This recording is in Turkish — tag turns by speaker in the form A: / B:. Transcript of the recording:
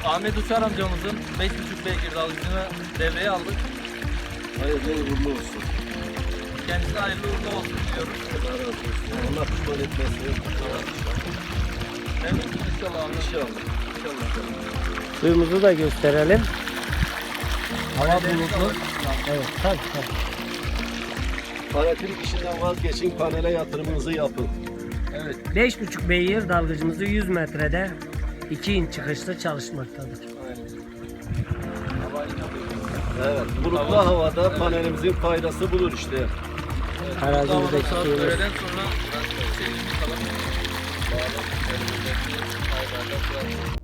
A: Ahmet Uçar amcamızın 5,5 beygir dalgıcını devreye aldık.
B: Hayırlı uğurlu olsun.
A: Kendisine hayırlı uğurlu olsun diyoruz.
B: Allah razı olsun. Allah pişman etmesin.
A: Memnunuz inşallah Ahmet.
B: İnşallah. İnşallah.
C: Suyumuzu da gösterelim. Hava
A: Panellerimiz
C: bulutlu.
A: var.
C: Evet, tabii.
B: Paratin işinden vazgeçin, panele yatırımınızı yapın.
A: Evet.
C: 5,5 beygir dalgıcımızı 100 metrede 2 inç çıkışta çalışmaktadır.
B: Evet, bulutlu havada panelimizin faydası budur işte.
C: Arazimizdeki
A: Saat
C: suyumuz.
A: öğleden sonra biraz şey bakalım. Bağlı.